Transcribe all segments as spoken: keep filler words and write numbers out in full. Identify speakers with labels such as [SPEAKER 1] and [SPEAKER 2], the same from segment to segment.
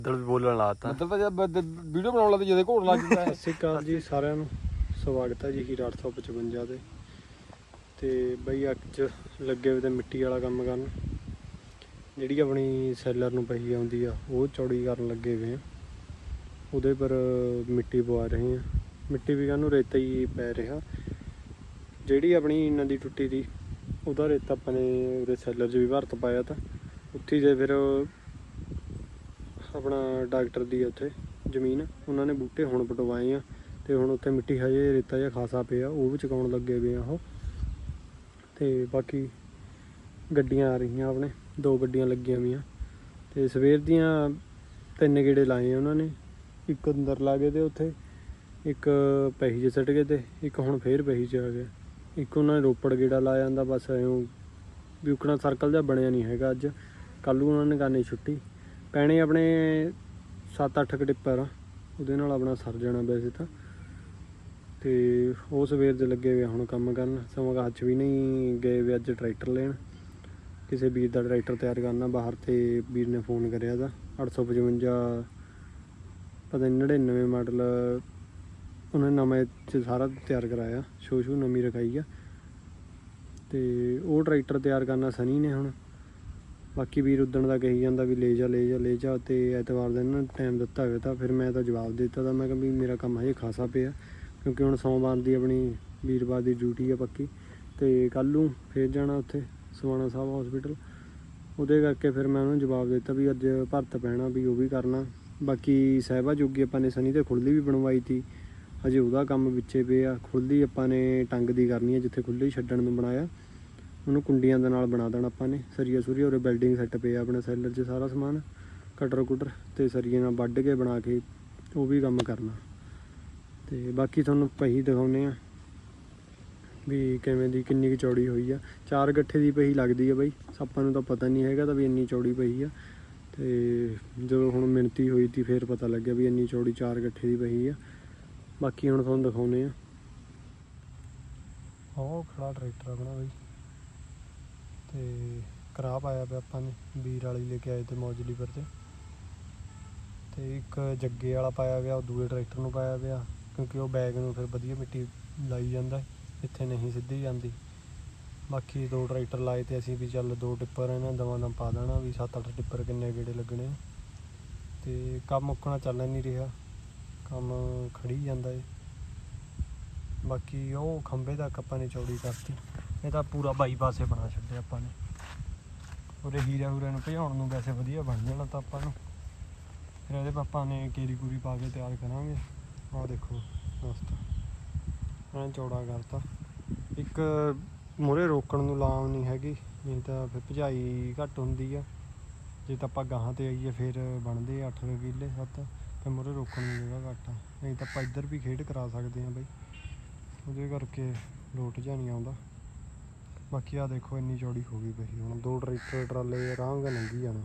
[SPEAKER 1] ਬੱਦਲ ਵੀ ਬੋਲਣ ਲਾਤਾ।
[SPEAKER 2] ਬੱਦਲ ਤਾਂ ਜਦ ਵੀਡੀਓ ਬਣਾਉਣ ਲੱਗਦੇ ਜਦੋਂ ਘੋੜ ਲੱਗ ਜਾਂਦਾ।
[SPEAKER 3] ਸਤਿ ਸ਼੍ਰੀ ਅਕਾਲ ਜੀ ਸਾਰਿਆਂ ਨੂੰ, ਸਵਾਗਤ ਹੈ ਜੀ ਹੀਰਾ ਅੱਠ ਸੌ ਪਚਵੰਜਾ ਤੇ ਤੇ ਬਈ ਅੱਜ ਲੱਗੇ ਹੋਏ ਤੇ ਮਿੱਟੀ ਵਾਲਾ ਕੰਮ ਕਰਨ। ਜਿਹੜੀ ਆਪਣੀ ਸੈਲਰ ਨੂੰ ਪਹੀ ਆਉਂਦੀ ਆ ਉਹ ਚੌੜੀ ਕਰਨ ਲੱਗੇ ਹੋਏ ਆ। ਉਹਦੇ ਪਰ ਮਿੱਟੀ ਪਵਾ ਰਹੇ ਆ। ਮਿੱਟੀ ਵੀ ਕਾਹਨੂੰ ਰੇਤਾ ਹੀ ਪੈ ਰਿਹਾ। ਜਿਹੜੀ ਆਪਣੀ ਨਦੀ ਟੁੱਟੀ ਦੀ ਉਹਦਾ ਰੇਤਾ ਆਪਾਂ ਨੇ ਉਹਦੇ ਸੈਲਰ 'ਚ ਵੀ ਭਰਤ ਪਾਇਆ ਤਾਂ ਉੱਥੇ ਜੇ ਫਿਰ ਆਪਣਾ ਡਾਕਟਰ ਦੀ ਉੱਥੇ ਜ਼ਮੀਨ ਉਹਨਾਂ ਨੇ ਬੂਟੇ ਹੁਣ ਪਟਵਾਏ ਆ ਤੇ ਹੁਣ ਉੱਥੇ ਮਿੱਟੀ ਹਜੇ ਰੇਤਾ ਜਿਹਾ ਖਾਸਾ ਪਿਆ ਉਹ ਵੀ ਚੁਕਾਉਣ ਲੱਗੇ ਪਏ ਆ ਉਹ। ਤੇ ਬਾਕੀ ਗੱਡੀਆਂ ਆ ਰਹੀਆਂ, ਆਪਣੇ ਦੋ ਗੱਡੀਆਂ ਲੱਗੀਆਂ ਵੀਆਂ ਤੇ ਸਵੇਰ ਦੀਆਂ ਤਿੰਨ ਗੇੜੇ ਲਾਏ ਆ ਉਹਨਾਂ ਨੇ। ਇੱਕ ਅੰਦਰ ਲਾ ਗਏ ਤੇ ਉੱਥੇ ਇੱਕ ਪਹੀ 'ਚ ਸਿੱਟ ਗਏ ਤੇ ਇੱਕ ਹੁਣ ਫੇਰ ਪਹੀ 'ਚ ਆ ਗਿਆ। ਇੱਕ ਉਹਨਾਂ ਨੇ ਰੋਪੜ ਗੇੜਾ ਲਾ ਜਾਂਦਾ ਬਸ ਐਂ ਵੀ ਉਕਣਾ ਸਰਕਲ ਜਿਹਾ ਬਣਿਆ ਨਹੀਂ ਹੈਗਾ। ਅੱਜ ਕੱਲ੍ਹ ਨੂੰ ਉਹਨਾਂ ਨੇ ਕਰਨੀ ਛੁੱਟੀ ਪੈਣੇ ਆਪਣੇ ਸੱਤ ਅੱਠ ਕੁ ਟਿੱਪਰ ਆ, ਉਹਦੇ ਨਾਲ ਆਪਣਾ ਸਰ ਜਾਣਾ ਵੈਸੇ ਤਾਂ। ਤੇ ਉਹ ਸਵੇਰ ਦੇ ਲੱਗੇ ਹੋਏ ਹੁਣ ਕੰਮ ਕਰਨ। ਸਮਾਂ ਹੱਥ ਵੀ ਨਹੀਂ ਗਏ ਵੇ ਅੱਜ ਟਰੈਕਟਰ ਲੈਣ, ਕਿਸੇ ਵੀਰ ਦਾ ਟਰੈਕਟਰ ਤਿਆਰ ਕਰਨਾ ਬਾਹਰ। ਤੇ ਵੀਰ ਨੇ ਫੋਨ ਕਰਿਆ ਤਾਂ ਅੱਠ ਸੌ ਪਚਵੰਜਾ ਪਤਾ ਨਹੀਂ ਨੜਿਨਵੇਂ ਮਾਡਲ ਉਹਨੇ ਨਵੇਂ 'ਚ ਸਾਰਾ ਤਿਆਰ ਕਰਾਇਆ, ਸ਼ੋ ਸ਼ੂ ਨਵੀਂ ਰਖਾਈ ਆ। ਤੇ ਉਹ ਟਰੈਕਟਰ ਤਿਆਰ ਕਰਨਾ ਸਨੀ ਨੇ ਹੁਣ। ਬਾਕੀ ਵੀਰ ਉੱਦਣ ਦਾ ਕਹੀ ਜਾਂਦਾ ਵੀ ਲੈ ਜਾ ਲੈ ਜਾ ਲੈ ਜਾ। ਤੇ ਐਤਵਾਰ ਦਿਨ ਨਾ ਟਾਈਮ ਦਿੱਤਾ ਹੋਇਆ ਤਾਂ ਫਿਰ ਮੈਂ ਤਾਂ ਜਵਾਬ ਦੇ ਦਿੱਤਾ ਤਾਂ ਮੈਂ ਕਿਹਾ ਵੀ ਮੇਰਾ ਕੰਮ ਹਜੇ ਖਾਸਾ ਪਿਆ, ਕਿਉਂਕਿ ਹੁਣ ਸੋਮਵਾਰ ਦੀ ਆਪਣੀ ਵੀਰਵਾਰ ਦੀ ਡਿਊਟੀ ਆ ਪੱਕੀ। ਤੇ ਕੱਲ੍ਹ ਨੂੰ ਫਿਰ ਜਾਣਾ ਉੱਥੇ ਸਵਾਣਾ ਸਾਹਿਬ ਹੌਸਪੀਟਲ। ਉਹਦੇ ਕਰਕੇ ਫਿਰ ਮੈਂ ਉਹਨੂੰ ਜਵਾਬ ਦਿੱਤਾ ਵੀ ਅੱਜ ਭਰਤ ਪੈਣਾ ਵੀ ਉਹ ਵੀ ਕਰਨਾ। ਬਾਕੀ ਸਾਹਿਬਾ ਜੋਗੀ ਆਪਾਂ ਨੇ ਸਨੀ ਤੇ ਖੁੱਲ੍ਹੀ ਵੀ ਬਣਵਾਈ ਤੀ, ਹਜੇ ਉਹਦਾ ਕੰਮ ਵਿੱਚੇ ਪਿਆ। ਖੁੱਲ੍ਹੀ ਆਪਾਂ ਨੇ ਟੰਗ ਦੀ ਕਰਨੀ ਹੈ, ਜਿੱਥੇ ਖੁੱਲ੍ਹੀ ਛੱਡਣ ਨੂੰ ਬਣਾਇਆ ਉਹਨੂੰ ਕੁੰਡੀਆਂ ਦੇ ਨਾਲ ਬਣਾ ਦੇਣਾ ਆਪਾਂ ਨੇ। ਸਰੀਆ ਸੁਰੀਆ ਉਰੇ ਬਿਲਡਿੰਗ ਸੈੱਟ ਪਿਆ ਆਪਣੇ ਸੈਲਰ 'ਚ ਸਾਰਾ ਸਮਾਨ, ਕਟਰ ਕੁਟਰ ਤੇ ਸਰੀਏ ਨਾਲ ਵੱਢ ਕੇ ਬਣਾ ਕੇ ਉਹ ਵੀ ਕੰਮ ਕਰਨਾ। ਤੇ ਬਾਕੀ ਤੁਹਾਨੂੰ ਪਹੀ ਦਿਖਾਉਂਦੇ ਆ ਵੀ ਕਿਵੇਂ ਦੀ ਕਿੰਨੀ ਕੁ ਚੌੜੀ ਹੋਈ ਆ। ਚਾਰ ਗੱਠੇ ਦੀ ਪਹੀ ਲੱਗਦੀ ਆ ਬਾਈ, ਆਪਾਂ ਨੂੰ ਤਾਂ ਪਤਾ ਨਹੀਂ ਹੈਗਾ ਤਾਂ ਵੀ ਇੰਨੀ ਚੌੜੀ ਪਹੀ ਆ। ਤੇ ਜਦੋਂ ਹੁਣ ਮਿਣਤੀ ਹੋਈ ਤੀ ਫਿਰ ਪਤਾ ਲੱਗਿਆ ਵੀ ਇੰਨੀ ਚੌੜੀ ਚਾਰ ਗੱਠੇ ਦੀ ਪਹੀ ਆ। ਬਾਕੀ ਹੁਣ ਤੁਹਾਨੂੰ ਦਿਖਾਉਂਦੇ ਆ। ਉਹ ਖੜਾ ਟਰੈਕਟਰ ਆਪਣਾ ਬਾਈ ਤੇ ਕਰਾ ਪਾਇਆ ਪਿਆ ਆਪਾਂ ਨੇ, ਵੀਰ ਵਾਲੀ ਲੈ ਕੇ ਆਏ ਤੇ ਮੌਜਲੀ ਪਰ ਤੇ ਤੇ ਇੱਕ ਜੱਗੇ ਵਾਲਾ ਪਾਇਆ ਪਿਆ, ਉਹ ਦੂਏ ਟਰੈਕਟਰ ਨੂੰ ਪਾਇਆ ਪਿਆ ਕਿਉਂਕਿ ਉਹ ਬੈਗ ਨੂੰ ਫਿਰ ਵਧੀਆ ਮਿੱਟੀ ਲਾਈ ਜਾਂਦਾ, ਇੱਥੇ ਨਹੀਂ ਸਿੱਧੀ ਜਾਂਦੀ। ਬਾਕੀ ਦੋ ਟਰੈਕਟਰ ਲਾਏ ਤੇ ਅਸੀਂ ਵੀ ਚੱਲ ਦੋ ਟਿੱਪਰ ਇਹਨਾਂ ਦਵਾਂ ਦਮ ਪਾ ਦੇਣਾ ਵੀ ਸੱਤ ਅੱਠ ਟਿੱਪਰ ਕਿੰਨੇ ਗੇੜੇ ਲੱਗਣੇ। ਤੇ ਕੰਮ ਮੁੱਕਣਾ ਚੱਲ ਨਹੀਂ ਰਿਹਾ, ਕੰਮ ਖੜੀ ਜਾਂਦਾ ਏ। ਬਾਕੀ ਉਹ ਖੰਭੇ ਤੱਕ ਆਪਾਂ ਨੇ ਚੌੜੀ ਕਰਤੀ, ਇਹ ਤਾਂ ਪੂਰਾ ਬਾਈ ਪਾਸੇ ਬਣਾ ਛੱਡਿਆ ਆਪਾਂ ਨੇ। ਉਹਦੇ ਹੀਰਾ ਹੂਰੇ ਨੂੰ ਭਜਾਉਣ ਨੂੰ ਵੈਸੇ ਵਧੀਆ ਬਣ ਜਾਣਾ ਤਾਂ ਆਪਾਂ ਨੂੰ। ਫਿਰ ਇਹਦੇ ਆਪਾਂ ਨੇ ਕੇਰੀ ਕੂਰੀ ਪਾ ਕੇ ਤਿਆਰ ਕਰਾਂਗੇ। ਆਹ ਦੇਖੋ ਰਸਤਾ ਐਂ ਚੌੜਾ ਕਰਤਾ। ਇੱਕ ਮੂਹਰੇ ਰੋਕਣ ਨੂੰ ਲਾਮ ਨਹੀਂ ਹੈਗੀ, ਨਹੀਂ ਤਾਂ ਫਿਰ ਭਜਾਈ ਘੱਟ ਹੁੰਦੀ ਆ। ਜੇ ਤਾਂ ਆਪਾਂ ਗਾਹਾਂ 'ਤੇ ਆਈਏ ਫਿਰ ਬਣਦੇ ਅੱਠ ਕਿੱਲੇ ਸੱਤ, ਅਤੇ ਮੂਹਰੇ ਰੋਕਣ ਨੂੰ ਜਗ੍ਹਾ ਘੱਟ ਆ। ਨਹੀਂ ਤਾਂ ਆਪਾਂ ਇੱਧਰ ਵੀ ਖੇਡ ਕਰਾ ਸਕਦੇ ਹਾਂ ਬਈ, ਉਹਦੇ ਕਰਕੇ ਲੋਟ ਜਿਹਾ ਨਹੀਂ ਆਉਂਦਾ। ਬਾਕੀ ਆਹ ਦੇਖੋ ਇੰਨੀ ਚੌੜੀ ਹੋ ਗਈ ਪਈ, ਹੁਣ ਦੋ ਟਰੈਕਟਰ ਟਰਾਲੇ ਆਰਾਮ ਨਾਲ ਲੰਘੀ ਜਾਣਾ।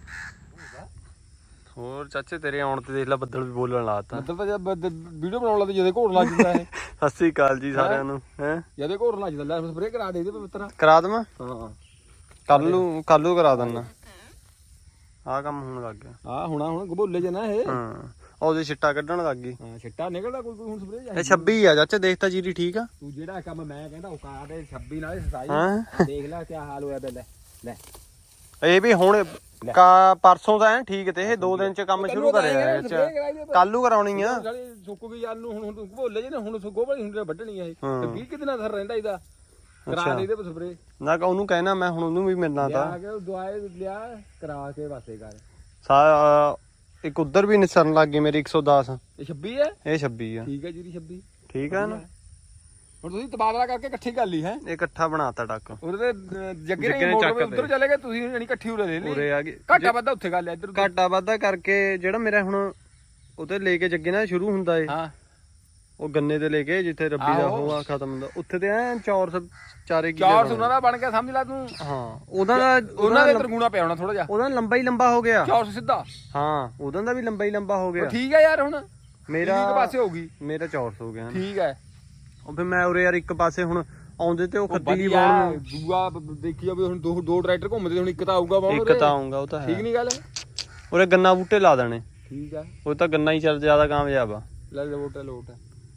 [SPEAKER 1] ਹੋਰ ਚਾਚੇ ਤੇਰੇ ਆਉਣ ਤੇ ਦੇਖ ਲੈ ਬੱਦਲ ਵੀ ਬੋਲਣ ਲਾਤਾ।
[SPEAKER 2] ਬੱਦਲ ਤਾਂ ਜਦ ਵੀਡੀਓ ਬਣਾਉਣ ਲੱਗਦੇ ਜਦੋਂ ਘੋੜ ਲੱਗ ਜਾਂਦਾ। ਇਹ
[SPEAKER 1] ਸਤਿ ਸ਼੍ਰੀ ਅਕਾਲ ਜੀ ਸਾਰਿਆਂ ਨੂੰ। ਹੈ
[SPEAKER 2] ਜਦੋਂ ਘੋੜ ਲੱਗ ਜਾਂਦਾ ਲੈ ਸਪਰੇਅ ਕਰਾ ਦੇ ਇਹਦੇ ਪਵਿੱਤਰ
[SPEAKER 1] ਕਰਾ ਦੇਵਾਂ?
[SPEAKER 2] ਹਾਂ
[SPEAKER 1] ਕੱਲ ਨੂੰ ਕੱਲ ਨੂੰ ਕਰਾ ਦਿੰਦਾ। ਆਹ ਕੰਮ ਹੁਣ ਲੱਗ ਗਿਆ।
[SPEAKER 2] ਆਹ ਹੁਣਾ ਹੁਣ ਗਬੋਲੇ ਜਨਾ ਇਹ।
[SPEAKER 1] ਹਾਂ ਉਹਦੇ ਛਿੱਟਾ ਕੱਢਣ ਲੱਗ ਗਈ।
[SPEAKER 2] ਹਾਂ ਛਿੱਟਾ ਨਿਕਲਦਾ ਕੋਈ ਕੋਈ ਹੁਣ ਸਪਰੇਅ
[SPEAKER 1] ਇਹ ਛੱਬੀ ਆ ਚਾਚਾ, ਦੇਖ ਤਾਂ ਜੀਰੀ ਠੀਕ ਆ।
[SPEAKER 2] ਤੂੰ ਜਿਹੜਾ ਕੰਮ ਮੈਂ ਕਹਿੰਦਾ ਉਹ ਕਰਾ ਦੇ ਛੱਬੀ ਨਾਲ ਸਤਾਈ।
[SPEAKER 1] ਹਾਂ
[SPEAKER 2] ਦੇਖ ਲੈ ਕੀ ਹਾਲ ਹੋਇਆ ਬੇ। ਲੈ ਲੈ
[SPEAKER 1] ਇਹ ਵੀ ਹੁਣ ਕਾ ਪਰਸੋਂ ਦਾ ਐ ਠੀਕ ਤੇ ਇਹ ਦੋ ਦਿਨ ਚ ਕੰਮ ਸ਼ੁਰੂ ਕਰਿਆ ਇਹ ਚ। ਕੱਲ ਨੂੰ ਕਰਾਉਣੀ ਆ।
[SPEAKER 2] ਸੁੱਕ ਗਈ ਯਾਰ ਨੂੰ ਹੁਣ ਗਬੋਲੇ ਜੇ ਹੁਣ ਗੋਭਲੀ ਹੁੰਦੇ ਵੱਢਣੀ ਆ ਇਹ ਤੇ ਵੀਹ ਕਿ ਦਿਨਾਂ ਦਾ ਰਹਿੰਦਾ ਇਹਦਾ। ਕਰਾ ਦੇ ਇਹਦੇ ਸਪਰੇਅ
[SPEAKER 1] ਨਾ ਉਹਨੂੰ ਕਹਿਣਾ ਮੈਂ ਹੁਣ ਉਹਨੂੰ ਵੀ ਮਿਲਣਾ ਤਾਂ
[SPEAKER 2] ਦਵਾਈ ਲਿਆ ਕਰਾ ਕੇ ਵਾਸੇ ਕਰ।
[SPEAKER 1] ਸਾ ਇੱਕ ਉਧਰ ਵੀ ਨਿਸਰਨ ਲੱਗ ਗਈ ਮੇਰੀ ਇੱਕ ਸੌ ਦਸ।
[SPEAKER 2] ਇਹ ਛੱਬੀ ਹੈ,
[SPEAKER 1] ਇਹ ਛੱਬੀ ਆ।
[SPEAKER 2] ਠੀਕ ਹੈ ਜੀ ਛੱਬੀ
[SPEAKER 1] ਠੀਕ ਆ ਨਾ।
[SPEAKER 2] ਹੁਣ ਤੁਸੀਂ ਤਬਾਦਲਾ ਕਰਕੇ ਇਕੱਠੀ ਕਰ ਲਈ ਹੈ।
[SPEAKER 1] ਇਹ ਇਕੱਠਾ ਬਣਾਤਾ ਟੱਕ
[SPEAKER 2] ਉਹਦੇ ਤੇ ਜੱਗੇ ਨੇ ਮੋਟਰ ਉੱਧਰ ਚਲੇ ਗਏ, ਤੁਸੀਂ ਯਾਨੀ ਇਕੱਠੀ ਉਰੇ ਲੈ ਲਈ।
[SPEAKER 1] ਉਰੇ ਆ ਗਏ
[SPEAKER 2] ਘਾਟਾ ਵਾਧਾ ਉੱਥੇ ਕਰ ਲਿਆ ਇੱਧਰ।
[SPEAKER 1] ਘਾਟਾ ਵਾਧਾ ਕਰਕੇ ਜਿਹੜਾ ਮੇਰਾ ਹੁਣ ਉਹਤੇ ਲੈ ਕੇ ਜੱਗੇ ਨਾਲ ਸ਼ੁਰੂ ਹੁੰਦਾ ਏ।
[SPEAKER 2] ਹਾਂ
[SPEAKER 1] ਉਹ ਗੰਨੇ ਤੇ ਲੈ ਕੇ ਜਿੱਥੇ ਰੱਬੀ ਦਾ ਉਹ ਆ ਖਤਮ ਹੁੰਦਾ ਉੱਥੇ ਤੇ ਐ ਚੌਰਸ ਚਾਰੇ ਕਿਲੇ
[SPEAKER 2] ਚੌਰਸ ਉਹਨਾਂ ਦਾ ਬਣ ਗਿਆ ਸਮਝ ਲੈ ਤੂੰ।
[SPEAKER 1] ਹਾਂ ਉਹਦਾ
[SPEAKER 2] ਉਹਨਾਂ ਦੇ ਤਰਗੂਣਾ ਪਿਆ ਹੋਣਾ ਥੋੜਾ ਜਿਹਾ।
[SPEAKER 1] ਉਹਦਾ ਲੰਬਾ ਹੀ ਲੰਬਾ ਹੋ ਗਿਆ
[SPEAKER 2] ਚੌਰਸ ਸਿੱਧਾ।
[SPEAKER 1] ਹਾਂ ਉਹਦਾ ਦਾ ਵੀ ਲੰਬਾ ਹੀ ਲੰਬਾ ਹੋ ਗਿਆ।
[SPEAKER 2] ਠੀਕ ਹੈ ਯਾਰ ਹੁਣ
[SPEAKER 1] ਮੇਰਾ
[SPEAKER 2] ਇੱਕ ਪਾਸੇ ਹੋਊਗੀ।
[SPEAKER 1] ਮੇਰਾ ਚੌਰਸ ਹੋ ਗਿਆ।
[SPEAKER 2] ਠੀਕ ਹੈ
[SPEAKER 1] ਉਹ ਫਿਰ ਮੈਂ ਉਰੇ ਯਾਰ ਇੱਕ ਪਾਸੇ ਹੁਣ ਆਉਂਦੇ ਤੇ ਉਹ ਖੱਤੀ ਨਹੀਂ
[SPEAKER 2] ਬਾਉਣ ਦੂਆ ਦੇਖੀ ਜਾਵੇ ਹੁਣ ਦੋ ਦੋ ਟਰੈਕਟਰ ਘੁੰਮਦੇ ਹੁਣ ਇੱਕ ਤਾਂ ਆਊਗਾ ਬਾਉਣ।
[SPEAKER 1] ਇੱਕ ਤਾਂ ਆਊਗਾ ਉਹ ਤਾਂ ਹੈ।
[SPEAKER 2] ਠੀਕ ਨਹੀਂ ਗੱਲ।
[SPEAKER 1] ਉਰੇ ਗੰਨਾ ਬੂਟੇ ਲਾ ਦੇਣੇ।
[SPEAKER 2] ਠੀਕ ਆ,
[SPEAKER 1] ਉਹ ਤਾਂ ਗੰਨਾ ਹੀ ਚੱਲ ਜ਼ਿਆਦਾ ਕਾਮਯਾਬ ਆ।
[SPEAKER 2] ਲੈ ਲੋਟ ਹੈ ਲੋਟ ਹੈ।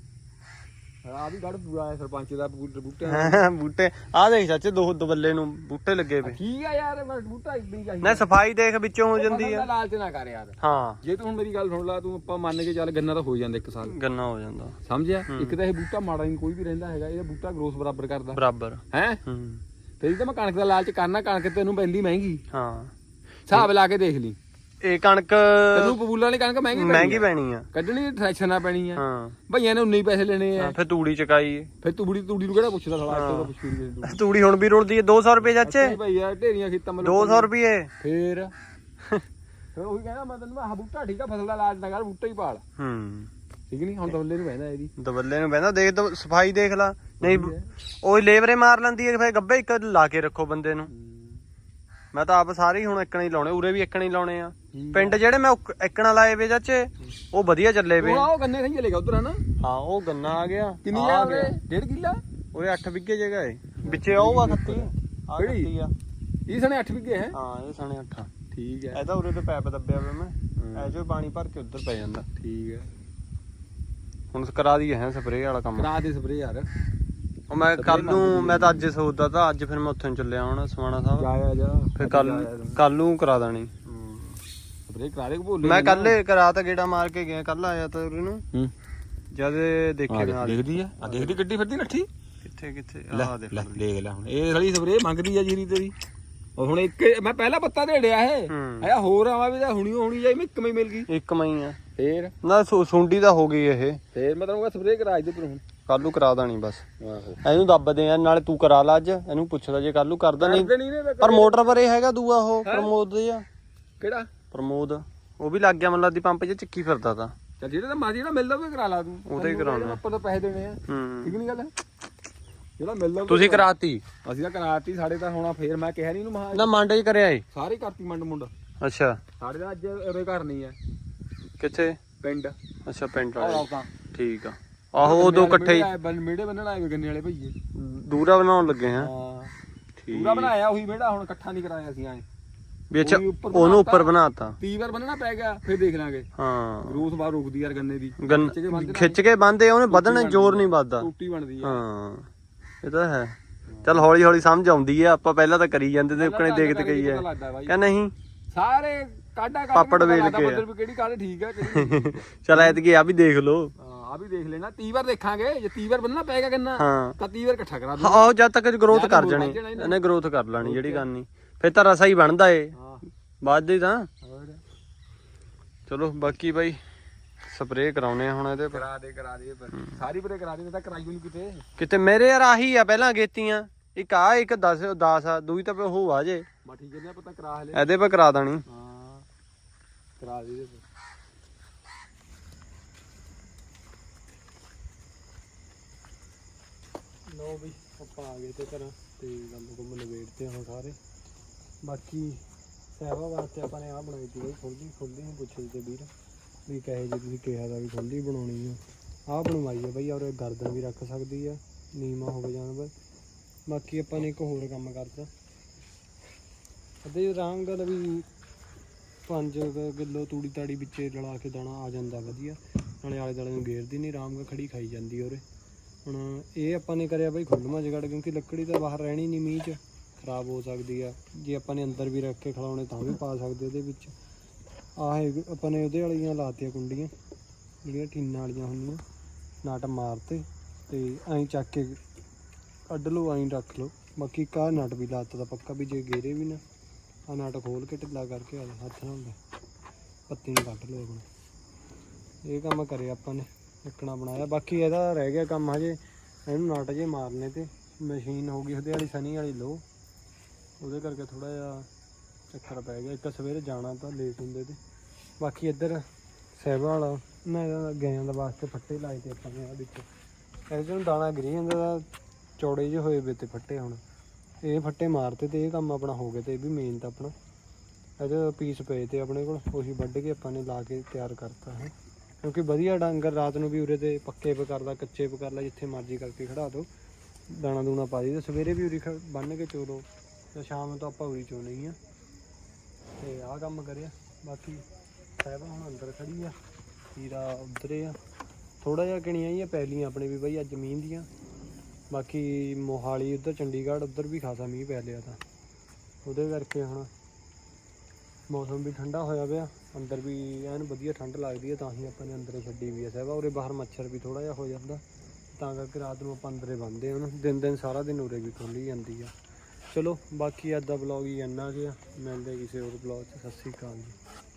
[SPEAKER 2] ਆ ਵੀ ਗੜ ਪੂਰਾ ਹੈ ਸਰਪੰਚ ਦਾ ਬੂਟੇ
[SPEAKER 1] ਬੂਟੇ ਆਹ ਦੇਖ ਚਾਚੇ ਦੋ ਦਬੱਲੇ ਨੂੰ ਬੂਟੇ ਲੱਗੇ ਪਏ।
[SPEAKER 2] ਠੀਕ ਆ ਯਾਰ, ਮੈਂ ਬੂਟਾ ਇੱਕ ਨਹੀਂ ਚਾਹੀਦਾ
[SPEAKER 1] ਨਾ ਸਫਾਈ ਦੇਖ ਵਿੱਚੋਂ ਹੋ ਜਾਂਦੀ ਆ।
[SPEAKER 2] ਲਾਲਚ ਨਾ ਕਰ ਯਾਰ।
[SPEAKER 1] ਹਾਂ
[SPEAKER 2] ਜੇ ਤੂੰ ਹੁਣ ਮੇਰੀ ਗੱਲ ਸੁਣ ਲਾ, ਤੂੰ ਆਪਾਂ ਮੰਨ ਕੇ ਚੱਲ ਗੰਨਾ ਤਾਂ ਹੋ ਜਾਂਦਾ ਇੱਕ ਸਾਲ,
[SPEAKER 1] ਗੰਨਾ ਹੋ ਜਾਂਦਾ
[SPEAKER 2] ਸਮਝਿਆ। ਇੱਕ ਤਾਂ ਇਹ ਬੂਟਾ ਮਾੜਾ ਨਹੀਂ ਕੋਈ ਵੀ ਰਹਿੰਦਾ ਹੈਗਾ, ਇਹਦਾ ਬੂਟਾ ਗਰੋਥ ਬਰਾਬਰ ਕਰਦਾ
[SPEAKER 1] ਬਰਾਬਰ
[SPEAKER 2] ਹੈ।
[SPEAKER 1] ਹੂੰ
[SPEAKER 2] ਤੇਰੀ ਤਾਂ ਮੈਂ ਕਣਕ ਦਾ ਲਾਲਚ ਕਰਨਾ, ਕਣਕ ਤੈਨੂੰ ਪੈਂਦੀ ਮਹਿੰਗੀ,
[SPEAKER 1] ਹਾਂ
[SPEAKER 2] ਹਿਸਾਬ ਲਾ ਕੇ ਦੇਖ ਲਈ।
[SPEAKER 1] ਇਹ ਕਣਕ
[SPEAKER 2] ਤੈਨੂੰ ਪਪੂਲਾਂ ਵਾਲੀ ਕਣਕ ਮਹਿੰਗੀ
[SPEAKER 1] ਮਹਿੰਗੀ ਪੈਣੀ ਆ,
[SPEAKER 2] ਕੱਢਣੀ ਟ੍ਰੈਕਸ਼ਨ ਨਾਲ ਪੈਣੀ ਆ।
[SPEAKER 1] ਹਾਂ
[SPEAKER 2] ਭਈਆਂ ਨੇ ਉਨੇ ਹੀ ਪੈਸੇ ਲੈਣੇ ਆ।
[SPEAKER 1] ਫਿਰ ਤੂੜੀ ਚਕਾਈ
[SPEAKER 2] ਫਿਰ ਤੂੜੀ ਤੂੜੀ ਨੂੰ ਕਿਹੜਾ ਪੁੱਛਦਾ ਸਾਲਾ, ਇੱਥੇ ਤਾਂ ਪੁੱਛੂ ਨਹੀਂ।
[SPEAKER 1] ਤੂੜੀ ਹੁਣ ਵੀ ਰੁਲਦੀ ਹੈ ਦੋ ਸੌ ਰੁਪਏ ਚਾਚੇ।
[SPEAKER 2] ਭਈਆ ਢੇਰੀਆਂ ਖੇਤਾਂ ਮਤਲਬ
[SPEAKER 1] ਦੋ ਸੌ ਰੁਪਏ
[SPEAKER 2] ਫੇਰ ਫਿਰ ਉਹੀ ਕਹਿੰਦਾ ਮੈਂ ਤੈਨੂੰ, ਆਹ ਬੂਟਾ ਠੀਕ ਆ, ਫਸਲ ਦਾ ਲਾਜ ਨਾ ਕਰ, ਬੂਟਾ ਹੀ ਪਾਲ।
[SPEAKER 1] ਹੂੰ
[SPEAKER 2] ਠੀਕ ਨਹੀਂ, ਹੁਣ ਦਵੱਲੇ ਨੂੰ ਬਹਿੰਦਾ ਇਹਦੀ
[SPEAKER 1] ਦਬੱਲੇ ਨੂੰ ਬਹਿੰਦਾ ਦੇਖ ਦੋ ਸਫਾਈ ਦੇਖ ਲਾ। ਨਹੀਂ ਉਹ ਲੇਬਰੇ ਮਾਰ ਲੈਂਦੀ ਹੈ, ਫਿਰ ਗੱਬੇ ਇੱਕ ਲਾ ਕੇ ਰੱਖੋ ਬੰਦੇ ਨੂੰ। ਮੈਂ ਤਾਂ ਆਪ ਸਾਰੇ ਹੀ ਹੁਣ ਇੱਕਣਾ ਹੀ ਲਾਉਣੇ, ਉਰੇ ਵੀ ਇੱਕਣਾ ਹੀ ਲਾਉਣੇ ਆ। ਪਿੰਡ ਜਿਹੜੇ ਮੈਂ ਇੱਕਣਾ ਲਾਏ ਵੇ ਚਾਚੇ ਉਹ ਵਧੀਆ ਚੱਲੇ ਵੇ।
[SPEAKER 2] ਉਹ ਗੰਨੇ ਨਹੀਂ ਚਲੇਗਾ ਉਧਰ ਹਨਾ।
[SPEAKER 1] ਹਾਂ ਉਹ ਗੰਨਾ ਆ ਗਿਆ।
[SPEAKER 2] ਕਿੰਨੀ ਆ ਉਰੇ? ਡੇਢ ਕਿੱਲਾ
[SPEAKER 1] ਉਰੇ ਅੱਠ ਵਿਗੇ ਜਗ੍ਹਾ ਹੈ ਵਿੱਚੇ ਉਹ ਆ ਖੱਤੀ ਆ ਖੱਤੀ ਆ।
[SPEAKER 2] ਇਹ ਸਣੇ ਅੱਠ ਵਿਗੇ ਹੈ।
[SPEAKER 1] ਹਾਂ ਇਹ ਸਣੇ ਅੱਠ।
[SPEAKER 2] ਠੀਕ ਹੈ।
[SPEAKER 1] ਇਹ ਤਾਂ ਉਰੇ ਤੇ ਪੈਪ ਦੱਬਿਆ ਵੇ ਮੈਂ, ਐ ਜੋ ਪਾਣੀ ਭਰ ਕੇ ਉੱਧਰ ਪੈ ਜਾਂਦਾ।
[SPEAKER 2] ਠੀਕ ਹੈ।
[SPEAKER 1] ਹੁਣ ਕਰਾ ਦੀ ਹੈ ਸਪਰੇਅ ਵਾਲਾ ਕੰਮ।
[SPEAKER 2] ਕਰਾ ਦੇ ਸਪਰੇਅ ਯਾਰ।
[SPEAKER 1] ਉਹ ਮੈਂ ਕੱਲ ਨੂੰ, ਮੈਂ ਤਾਂ ਅੱਜ ਸੋਚਦਾ ਤਾਂ ਅੱਜ ਫਿਰ ਮੈਂ ਉੱਥੇ ਨੂੰ ਚੱਲਿਆ ਹੁਣ ਸਮਾਣਾ ਸਾਹਿਬ।
[SPEAKER 2] ਜਾ ਜਾ
[SPEAKER 1] ਫਿਰ ਕੱਲ ਕੱਲ ਨੂੰ ਕਰਾ ਦੇਣੀ
[SPEAKER 2] ਸਪਰੇਅ ਕਰਾ ਦੇ ਭੋਲੇ।
[SPEAKER 1] ਮੈਂ ਕੱਲੇ ਕਰਾ ਤਾਂ ਗੇੜਾ ਮਾਰ ਕੇ ਗਿਆ, ਕੱਲ ਆਇਆ ਤਾਂ ਉਰੇ ਨੂੰ
[SPEAKER 2] ਹੂੰ
[SPEAKER 1] ਜਦ ਦੇਖੇ ਨਾਲ
[SPEAKER 2] ਦੇਖਦੀ ਆ ਆ ਦੇਖਦੀ ਗੱਡੀ ਫਿਰਦੀ ਨੱਠੀ
[SPEAKER 1] ਕਿੱਥੇ ਕਿੱਥੇ ਆਹ ਦੇਖ
[SPEAKER 2] ਲੈ ਦੇਖ ਲੈ ਹੁਣ ਇਹ ਸਾਲੀ ਸਪਰੇਅ ਮੰਗਦੀ ਆ ਜੀਰੀ ਤੇਰੀ। ਉਹ ਹੁਣ ਇੱਕ ਮੈਂ ਪਹਿਲਾ ਪੱਤਾ ਢੇੜਿਆ ਇਹ ਆਇਆ ਹੋਰ ਆਵਾ ਵੀ ਤਾਂ ਹੁਣੀ ਹੋਣੀ ਜਾਈ, ਮੈਂ ਇੱਕ ਮਈ ਮਿਲ ਗਈ।
[SPEAKER 1] ਇੱਕ ਮਈ ਆ
[SPEAKER 2] ਫੇਰ
[SPEAKER 1] ਨਾ ਸੁੰਡੀ ਤਾਂ ਹੋ ਗਈ ਇਹ।
[SPEAKER 2] ਫੇਰ ਮੈਂ ਤੈਨੂੰ ਸਪਰੇਅ ਕਰਾ ਦੇ ਪਰ ਹੁਣ
[SPEAKER 1] ਕੱਲ ਨੂੰ ਕਰਾ ਦੇਣੀ ਬਸ।
[SPEAKER 2] ਆਹੋ
[SPEAKER 1] ਇਹਨੂੰ ਦੱਬਦੇ ਆ ਨਾਲੇ ਤੂੰ ਕਰਾ ਲਾ ਅੱਜ, ਇਹਨੂੰ ਪੁੱਛਦਾ ਜੇ ਕੱਲ ਨੂੰ ਕਰਦਾ ਨਹੀਂ। ਪਰ ਮੋਟਰ ਪਰ ਇਹ ਹੈਗਾ ਦੂਆ ਉਹ ਪ੍ਰਮੋਦ ਦੇ ਆ।
[SPEAKER 2] ਕਿਹੜਾ
[SPEAKER 1] ਪ੍ਰਮੋਦ? ਉਹ ਵੀ ਲੱਗ ਗਿਆ ਮਤਲਬ ਦੀ ਪੰਪ 'ਚ ਚੱਕੀ ਫਿਰਦਾ ਤਾਂ।
[SPEAKER 2] ਚੱਲ ਜਿਹੜਾ ਤਾਂ ਮਰਜ਼ੀ ਜਿਹੜਾ ਮਿਲਦਾ ਉਹ ਕਰਾ ਲਾ ਤੂੰ,
[SPEAKER 1] ਉਹਦੇ ਹੀ ਕਰਾਉਣਾ
[SPEAKER 2] ਆਪਾਂ ਤਾਂ ਪੈਸੇ ਦੇਣੇ ਆ। ਠੀਕ ਨਹੀਂ ਗੱਲ? ਜਿਹੜਾ ਮਿਲਦਾ
[SPEAKER 1] ਤੁਸੀਂ ਕਰਾਤੀ?
[SPEAKER 2] ਅਸੀਂ ਤਾਂ ਕਰਾਤੀ, ਸਾਡੇ ਤਾਂ ਹੋਣਾ। ਫੇਰ ਮੈਂ ਕਿਹਾ ਨਹੀਂ ਇਹਨੂੰ ਮਹਾ
[SPEAKER 1] ਨਾ ਮੰਡ 'ਚ ਕਰਿਆ ਏ
[SPEAKER 2] ਸਾਰੇ ਕਰਤੀ ਮੰਡ ਮੁੰਡ।
[SPEAKER 1] ਅੱਛਾ
[SPEAKER 2] ਸਾਡੇ ਦਾ ਅੱਜ ਉਰੇ ਘਰ ਨਹੀਂ ਆ।
[SPEAKER 1] ਕਿੱਥੇ?
[SPEAKER 2] ਪਿੰਡ।
[SPEAKER 1] ਅੱਛਾ ਪਿੰਡ ਵਾਲੇ।
[SPEAKER 2] ਆਹ ਤਾਂ
[SPEAKER 1] ਠੀਕ ਆ। ਆਹੋ ਉਦੋਂ ਇਕੱਠੇ ਹੀ
[SPEAKER 2] ਮੇੜੇ ਬੰਨਣ ਆਏ ਗੰਨੇ ਵਾਲੇ ਭਈਏ,
[SPEAKER 1] ਦੂਰਾ ਬਣਾਉਣ ਲੱਗੇ ਹਾਂ।
[SPEAKER 2] ਹਾਂ
[SPEAKER 1] ਠੀਕ
[SPEAKER 2] ਪੂਰਾ ਬਣਾਇਆ ਉਹੀ ਮੇੜਾ, ਹੁਣ ਇਕੱਠਾ ਨਹੀਂ ਕਰਾਇਆ ਅਸੀਂ ਐ
[SPEAKER 1] ਵੀ। ਅੱਛਾ ਉਹਨੂੰ ਉੱਪਰ ਬਣਾਤਾ,
[SPEAKER 2] ਤੀਹ ਵਾਰ ਬੰਨਣਾ ਪੈ ਗਿਆ। ਫਿਰ ਦੇਖ ਲਾਂਗੇ।
[SPEAKER 1] ਹਾਂ
[SPEAKER 2] ਗਰੋਥ ਬਾਹਰ ਰੁਕਦੀ ਯਾਰ ਗੰਨੇ ਦੀ,
[SPEAKER 1] ਖਿੱਚ ਕੇ ਬੰਨਦੇ ਉਹਨੇ, ਵਧਣ ਜ਼ੋਰ ਨਹੀਂ ਵੱਧਦਾ,
[SPEAKER 2] ਟੂਟੀ ਬਣਦੀ ਆ।
[SPEAKER 1] ਹਾਂ ਇਹ ਤਾਂ ਹੈ। ਚੱਲ ਹੌਲੀ ਹੌਲੀ ਸਮਝ ਆਉਂਦੀ ਆ, ਆਪਾਂ ਪਹਿਲਾਂ ਤਾਂ ਕਰੀ ਜਾਂਦੇ ਤੇ ਉਕਣੇ ਦੇਖਦੇ ਗਈ ਆ ਕਿ ਨਹੀਂ।
[SPEAKER 2] ਸਾਰੇ ਕਾਢਾ ਕਾਢ
[SPEAKER 1] ਪਾਪੜ ਵੇਲ ਕੇ
[SPEAKER 2] ਕਿਹੜੀ ਕਾਢ ਠੀਕ ਆ ਕਿਹੜੀ।
[SPEAKER 1] ਚੱਲ ਐਤਕੀ ਆ ਵੀ ਦੇਖ ਲੋ।
[SPEAKER 2] ਆ ਵੀ ਦੇਖ ਲੈਣਾ, ਤੀਹ ਵਾਰ ਦੇਖਾਂਗੇ। ਜੇ ਤੀਹ ਵਾਰ ਬੰਨਣਾ ਪਏਗਾ ਗੰਨਾ ਤਾਂ ਤੀਹ ਵਾਰ ਇਕੱਠਾ ਕਰਾ ਦੂੰ।
[SPEAKER 1] ਆਹੋ ਜਦ ਤੱਕ ਗਰੋਥ ਕਰ ਜਾਣੀ ਇਹਨੇ, ਗਰੋਥ ਕਰ ਲੈਣੀ ਜਿਹੜੀ ਗੱਲ ਨਹੀਂ। ਫਿਰ ਤਾਂ ਰਸਾ ਹੀ ਬਣਦਾ ਏ ਬਾਅਦ ਦੇ ਤਾਂ। ਚਲੋ ਬਾਕੀ ਬਾਈ ਸਪਰੇਅ ਕਰਾਉਨੇ ਆ ਹੁਣ ਇਹਦੇ ਪਰ।
[SPEAKER 2] ਕਰਾ ਦੇ ਕਰਾ ਦੇ ਸਾਰੀ ਪਰੇ ਕਰਾ ਦੇ, ਤਾਂ ਕਰਾਈ ਨਹੀਂ ਕਿਤੇ
[SPEAKER 1] ਕਿਤੇ। ਮੇਰੇ ਯਾਰ ਆਹੀ ਆ ਪਹਿਲਾਂ ਗੇਤੀਆਂ, ਇੱਕ ਆ ਇੱਕ ਦਸ ਦਸ ਆ, ਦੂਈ ਤਾਂ ਉਹ ਆ ਜੇ।
[SPEAKER 2] ਬਾ ਠੀਕ ਹੈ, ਪਤਾ ਕਰਾ ਹਲੇ
[SPEAKER 1] ਇਹਦੇ ਪਰ ਕਰਾ ਦੇਣੀ।
[SPEAKER 2] ਹਾਂ ਕਰਾ ਦੇ ਇਹਦੇ ਪਰ।
[SPEAKER 3] ਲਓ ਬਈ ਆਪਾਂ ਆ ਗਏ ਤੇ ਘਰ ਤੇ ਕੰਮ ਕੁੰਮ ਨਵੇੜਤੇ ਹੁਣ ਸਾਰੇ। ਬਾਕੀ ਸਹਿਬਾ ਵਾਸਤੇ ਆਪਾਂ ਨੇ ਆਹ ਬਣਾਈ ਸੀ ਬਈ ਖੁੱਲ੍ਹੀ ਖੁੱਲ੍ਹੀ ਨੂੰ ਪੁੱਛੇ ਤੇ ਵੀਰ ਵੀ ਕਹੇ ਜੇ ਤੁਸੀਂ ਕਿਹਾ ਦਾ ਵੀ ਖੁੱਲ੍ਹੀ ਬਣਾਉਣੀ ਆ। ਆਹ ਬਣਵਾਈ ਆ ਬਈ, ਔਰ ਗਰਦਨ ਵੀ ਰੱਖ ਸਕਦੀ ਆ, ਨੀਵਾਂ ਹੋਵੇ ਜਾਨਵਰ। ਬਾਕੀ ਆਪਾਂ ਨੇ ਇੱਕ ਹੋਰ ਕੰਮ ਕਰਤਾ ਅੱਧੇ ਆਰਾਮ ਗੱਲ ਵੀ ਪੰਜ ਕਿਲੋ ਤੂੜੀ ਤਾੜੀ ਵਿੱਚ ਰਲਾ ਕੇ ਦਾਣਾ ਆ ਜਾਂਦਾ ਵਧੀਆ, ਨਾਲੇ ਆਲੇ ਦੁਆਲੇ ਨੂੰ ਗੇਰਦੀ ਨਹੀਂ, ਆਰਾਮ ਨਾਲ ਖੜੀ ਖਾਈ ਜਾਂਦੀ ਔਰ। ਹੁਣ ਇਹ ਆਪਾਂ ਨੇ ਕਰਿਆ ਬਈ ਖੁੱਲ੍ਹਵਾਂ ਜਗੜ, ਕਿਉਂਕਿ ਲੱਕੜੀ ਤਾਂ ਬਾਹਰ ਰਹਿਣੀ ਨਹੀਂ, ਮੀਂਹ 'ਚ ਖਰਾਬ ਹੋ ਸਕਦੀ ਆ। ਜੇ ਆਪਾਂ ਨੇ ਅੰਦਰ ਵੀ ਰੱਖ ਕੇ ਖਿਲਾਉਣੇ ਤਾਂ ਵੀ ਪਾ ਸਕਦੇ ਉਹਦੇ ਵਿੱਚ। ਆਹ ਆਪਾਂ ਨੇ ਉਹਦੇ ਵਾਲੀਆਂ ਲਾਤੀਆਂ ਕੁੰਡੀਆਂ ਜਿਹੜੀਆਂ ਟੀਨਾਂ ਵਾਲੀਆਂ ਹੁੰਦੀਆਂ, ਨਟ ਮਾਰਤੇ ਤੇ ਐਂ ਚੱਕ ਕੇ ਕੱਢ ਲਓ, ਐਂ ਰੱਖ ਲਓ। ਬਾਕੀ ਕਾ ਨਟ ਵੀ ਲਾਤਾ ਤਾਂ ਪੱਕਾ ਵੀ ਜੇ ਗੇਰੇ ਵੀ ਨਾ, ਆਹ ਨਟ ਖੋਲ ਕੇ ਢਿੱਲਾ ਕਰਕੇ ਆ ਹੱਥ ਨਾਲ ਪੱਤੀ ਨੂੰ ਕੱਢ ਲਓ ਆਪਣਾ। ਇਹ ਕੰਮ ਕਰਿਆ ਆਪਾਂ ਨੇ, ਇੱਕਣਾ ਬਣਾਇਆ। ਬਾਕੀ ਇਹਦਾ ਰਹਿ ਗਿਆ ਕੰਮ ਹਜੇ, ਇਹਨੂੰ ਨਟ ਜੇ ਮਾਰਨੇ ਤੇ ਮਸ਼ੀਨ ਹੋ ਗਈ ਉਹਦੇ ਵਾਲੀ ਸਨੀ ਵਾਲੀ ਲੋ, ਉਹਦੇ ਕਰਕੇ ਥੋੜਾ ਜਿਹਾ ਚੱਕਰ ਪੈ ਗਿਆ। ਇੱਕ ਸਵੇਰੇ ਜਾਣਾ ਤਾਂ ਲੇਟ ਹੁੰਦੇ ਤੇ। ਬਾਕੀ ਇੱਧਰ ਸਹਿਬਾ ਵਾਲਾ ਨਾ ਗਾਇਆਂ ਦਾ ਵਾਸਤੇ ਫੱਟੇ ਲਾਏ ਤੇ ਆਪਾਂ ਨੇ, ਆਹ ਦੇਖੋ ਇਹਦੇ ਨੂੰ ਦਾਣਾ ਗਿਰੀ ਜਾਂਦਾ ਦਾ, ਚੌੜੇ ਜਿਹੇ ਹੋਏ ਵੇ ਤੇ ਫੱਟੇ। ਹੁਣ ਇਹ ਫੱਟੇ ਮਾਰਤੇ ਤੇ ਇਹ ਕੰਮ ਆਪਣਾ ਹੋ ਗਿਆ। ਤੇ ਇਹ ਵੀ ਮੇਨ ਤਾਂ ਆਪਣਾ ਇਹਦੇ ਪੀਸ ਪਏ ਤੇ ਆਪਣੇ ਕੋਲ, ਉਹੀ ਵੱਢ ਕੇ ਆਪਾਂ ਨੇ ਲਾ ਕੇ ਤਿਆਰ ਕਰਤਾ ਹੈ। ਕਿਉਂਕਿ ਵਧੀਆ ਡੰਗਰ ਰਾਤ ਨੂੰ ਵੀ ਉਰੇ ਤੇ ਪੱਕੇ ਪੇ ਕਰ ਲਾ, ਕੱਚੇ ਪੇ ਕਰ ਲਾ, ਜਿੱਥੇ ਮਰਜ਼ੀ ਕਰਕੇ ਖੜਾ ਦਿਓ, ਦਾਣਾ ਦੂਣਾ ਪਾ ਦੀ। ਸਵੇਰੇ ਵੀ ਉਰੀ ਬੰਨ੍ਹ ਕੇ ਚੋਲੋ, ਤੇ ਸ਼ਾਮ ਨੂੰ ਤਾਂ ਆਪਾਂ ਉਰੀ ਚੋਣੀ ਆ। ਤੇ ਆਹ ਕੰਮ ਕਰਿਆ। ਬਾਕੀ ਸਾਹਿਬਾ ਹੁਣ ਅੰਦਰ ਖੜੀ ਆ, ਹੀਰਾ ਉੱਧਰ ਆ। ਥੋੜਾ ਜਿਹਾ ਕਿਣੀਆਂ ਹੀ ਆ ਪੈਲੀਆਂ ਆਪਣੇ ਵੀ ਬਈ ਅੱਜ ਜ਼ਮੀਨ ਦੀਆਂ। ਬਾਕੀ ਮੋਹਾਲੀ ਉੱਧਰ ਚੰਡੀਗੜ੍ਹ ਉੱਧਰ ਵੀ ਖਾਸਾ ਮੀਂਹ ਪੈ ਲਿਆ ਤਾਂ ਉਹਦੇ ਕਰਕੇ ਹੁਣ ਮੌਸਮ ਵੀ ਠੰਡਾ ਹੋਇਆ ਪਿਆ। ਅੰਦਰ ਵੀ ਐਨ ਵਧੀਆ ਠੰਡ ਲੱਗਦੀ ਹੈ, ਤਾਂ ਹੀ ਆਪਾਂ ਨੇ ਅੰਦਰੇ ਛੱਡੀ ਵੀ ਆ ਸਾਹਿਬਾ। ਉਰੇ ਬਾਹਰ ਮੱਛਰ ਵੀ ਥੋੜਾ ਜਿਹਾ ਹੋ ਜਾਂਦਾ, ਤਾਂ ਕਰਕੇ ਰਾਤ ਨੂੰ ਆਪਾਂ ਅੰਦਰੇ ਬੰਨ੍ਹਦੇ ਹਾਂ ਉਹਨੂੰ। ਦਿਨ ਦਿਨ ਸਾਰਾ ਦਿਨ ਉਰੇ ਵੀ ਖੁੱਲ੍ਹੀ ਜਾਂਦੀ ਆ। ਚਲੋ ਬਾਕੀ ਅੱਜ ਦਾ ਵਲੌਗ ਹੀ ਇੰਨਾ ਕੁ ਆ, ਮਿਲਦੇ ਕਿਸੇ ਹੋਰ ਵਲੌਗ 'ਚ। ਸਤਿ ਸ਼੍ਰੀ ਅਕਾਲ ਜੀ।